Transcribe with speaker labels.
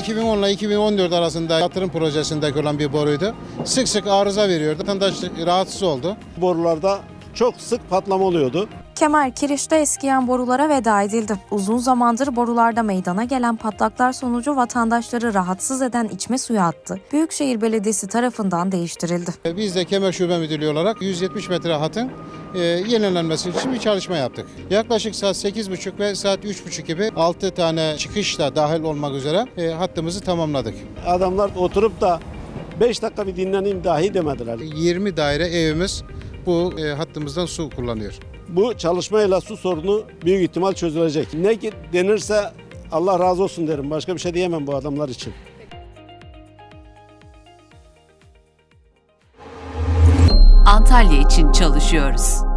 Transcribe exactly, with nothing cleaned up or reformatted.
Speaker 1: iki bin on ile iki bin on dört arasında yatırım projesindeki olan bir boruydu. Sık sık arıza veriyordu. Vatandaş rahatsız oldu.
Speaker 2: Borularda çok sık patlama oluyordu.
Speaker 3: Kemer Kiriş'te eskiyen borulara veda edildi. Uzun zamandır borularda meydana gelen patlaklar sonucu vatandaşları rahatsız eden içme suyu hattı Büyükşehir Belediyesi tarafından değiştirildi.
Speaker 1: Biz de Kemer Şube Müdürlüğü olarak yüz yetmiş metre hattın e, yenilenmesi için bir çalışma yaptık. Yaklaşık saat sekiz buçuk ve saat üç buçuk gibi altı tane çıkışla dahil olmak üzere e, hattımızı tamamladık.
Speaker 2: Adamlar oturup da beş dakika bir dinleneyim dahi demediler.
Speaker 1: yirmi daire evimiz bu e, hattımızdan su kullanıyor.
Speaker 2: Bu çalışmayla su sorunu büyük ihtimal çözülecek. Ne denirse Allah razı olsun derim. Başka bir şey diyemem bu adamlar için.
Speaker 4: Antalya için çalışıyoruz.